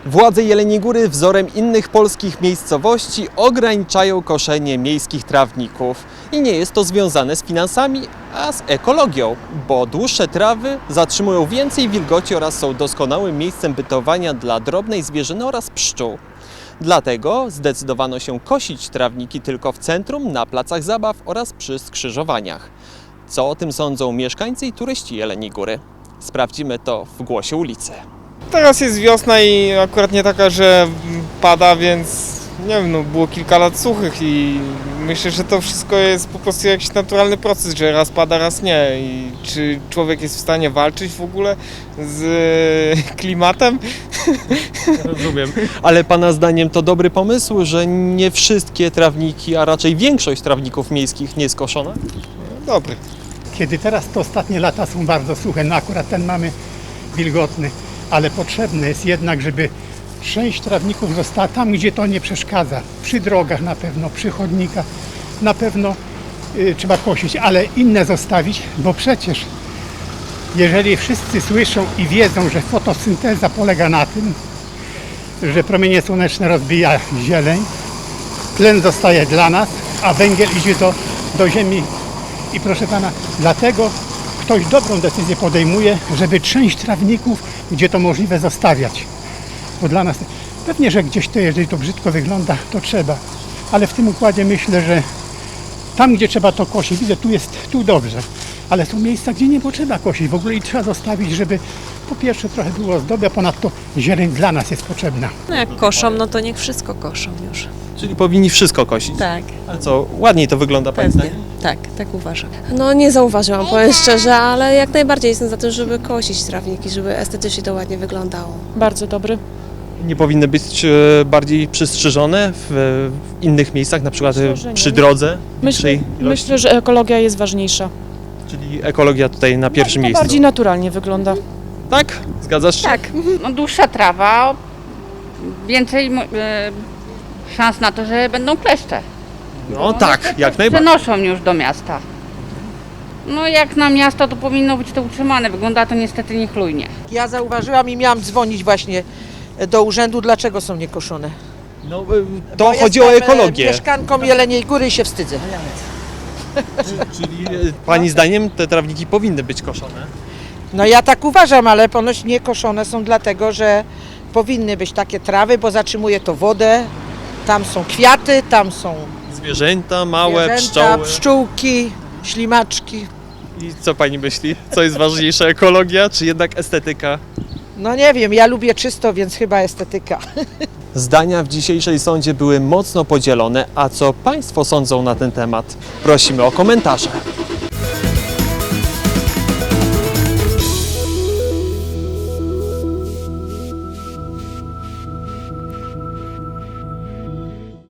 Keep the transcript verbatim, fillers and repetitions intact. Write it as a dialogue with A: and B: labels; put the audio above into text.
A: Władze Jeleniej Góry wzorem innych polskich miejscowości ograniczają koszenie miejskich trawników. I nie jest to związane z finansami, a z ekologią, bo dłuższe trawy zatrzymują więcej wilgoci oraz są doskonałym miejscem bytowania dla drobnej zwierzyny oraz pszczół. Dlatego zdecydowano się kosić trawniki tylko w centrum, na placach zabaw oraz przy skrzyżowaniach. Co o tym sądzą mieszkańcy i turyści Jeleniej Góry? Sprawdzimy to w Głosie ulicy.
B: Teraz jest wiosna i akurat nie taka, że pada, więc nie wiem, no było kilka lat suchych i myślę, że to wszystko jest po prostu jakiś naturalny proces, że raz pada, raz nie. I czy człowiek jest w stanie walczyć w ogóle z klimatem?
A: Rozumiem. Ale Pana zdaniem to dobry pomysł, że nie wszystkie trawniki, a raczej większość trawników miejskich nie jest koszona?
B: Dobry.
C: Kiedy teraz to ostatnie lata są bardzo suche, no akurat ten mamy wilgotny, ale potrzebne jest jednak, żeby część trawników została tam, gdzie to nie przeszkadza. Przy drogach na pewno, przy chodnikach na pewno y, trzeba kosić, ale inne zostawić, bo przecież jeżeli wszyscy słyszą i wiedzą, że fotosynteza polega na tym, że promienie słoneczne rozbija zieleń, tlen zostaje dla nas, a węgiel idzie do, do ziemi. I proszę Pana, dlatego ktoś dobrą decyzję podejmuje, żeby część trawników, gdzie to możliwe, zostawiać. Bo dla nas, pewnie, że gdzieś to, jeżeli to brzydko wygląda, to trzeba. Ale w tym układzie myślę, że tam, gdzie trzeba to kosić, widzę, tu jest, tu dobrze. Ale są miejsca, gdzie nie potrzeba kosić w ogóle i trzeba zostawić, żeby po pierwsze trochę było ozdoby, a ponadto zieleń dla nas jest potrzebna.
D: No jak koszą, no to niech wszystko koszą już.
A: Czyli powinni wszystko kosić?
D: Tak,
A: Ale co, ładniej to wygląda Pani
D: pewnie.
A: zdaniem?
D: Tak, tak uważam.
E: No nie zauważyłam, powiem szczerze, ale jak najbardziej jestem za tym, żeby kosić trawniki, żeby estetycznie to ładnie wyglądało.
F: Bardzo dobry.
A: Nie powinny być e, bardziej przystrzyżone w, w innych miejscach, na przykład
F: Myślę,
A: e,
F: że
A: przy
F: nie.
A: drodze?
F: Myślę,
A: większej ilości?
F: myślę, że ekologia jest ważniejsza.
A: Czyli ekologia tutaj na pierwszym
F: To
A: miejscu.
F: bardziej naturalnie wygląda.
A: Tak? Zgadzasz się?
G: Tak, no dłuższa trawa, więcej e, szans na to, że będą kleszcze.
A: No tak, jak najbardziej.
G: Przenoszą już do miasta. No jak na miasto to powinno być to utrzymane, wygląda to niestety niechlujnie.
H: Ja zauważyłam i miałam dzwonić właśnie do urzędu, dlaczego są niekoszone.
A: No, e, to
H: Bo
A: chodzi o
H: jestem, e,
A: ekologię.
H: mieszkanką Jeleniej Góry i się wstydzę.
A: Czyli e, Pani zdaniem te trawniki powinny być koszone?
H: No ja tak uważam, ale ponoć niekoszone są dlatego, że powinny być takie trawy, bo zatrzymuje to wodę. Tam są kwiaty, tam są
A: Zwierzęta, małe,
H: zwierzęta,
A: pszczoły.
H: pszczółki, ślimaczki.
A: I co Pani myśli? Co jest ważniejsze, ekologia czy jednak estetyka?
H: No nie wiem, ja lubię czysto, więc chyba estetyka.
A: Zdania w dzisiejszej sądzie były mocno podzielone, a co Państwo sądzą na ten temat? Prosimy o komentarze.